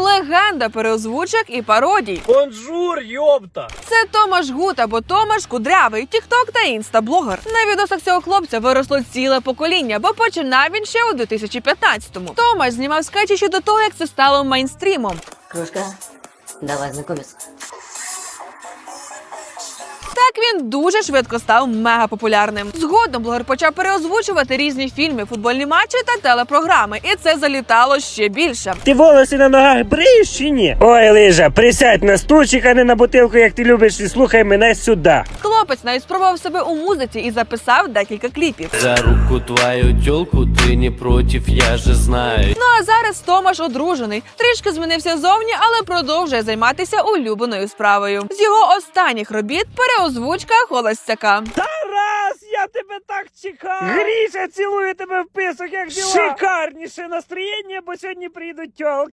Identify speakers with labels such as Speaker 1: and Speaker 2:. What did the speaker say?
Speaker 1: легенда переозвучок і пародій.
Speaker 2: Бонжур, йопта!
Speaker 1: Це Томаш Гут або Томаш Кудрявий, тікток та інстаблогер. На відосах цього хлопця виросло ціле покоління, бо починав він ще у 2015-му. Томаш знімав скетчі ще до того, як це стало мейнстрімом.
Speaker 3: Кружка, давай знакомиться.
Speaker 1: Так він дуже швидко став мегапопулярним. Згодом блогер почав переозвучувати різні фільми, футбольні матчі та телепрограми, і це залітало ще більше.
Speaker 4: Ти волоси на ногах бриєш чи ні? Ой, Лижа, присядь на стульчик, а не на бутилку, як ти любиш, і слухай мене сюди.
Speaker 1: Хлопець навіть спробував себе у музиці і записав декілька кліпів.
Speaker 5: За руку твою тёлку ты не против, я же знаю.
Speaker 1: Ну а зараз Томаш одружений, трішки змінився зовні, але продовжує займатися улюбленою справою. З його останніх робіт переозвучка холостяка.
Speaker 4: Тарас, я тебе так чекав! Гріша, цілую тебе в писок, як діла! Шикарніше настроєння, бо сьогодні приїдуть тьолки.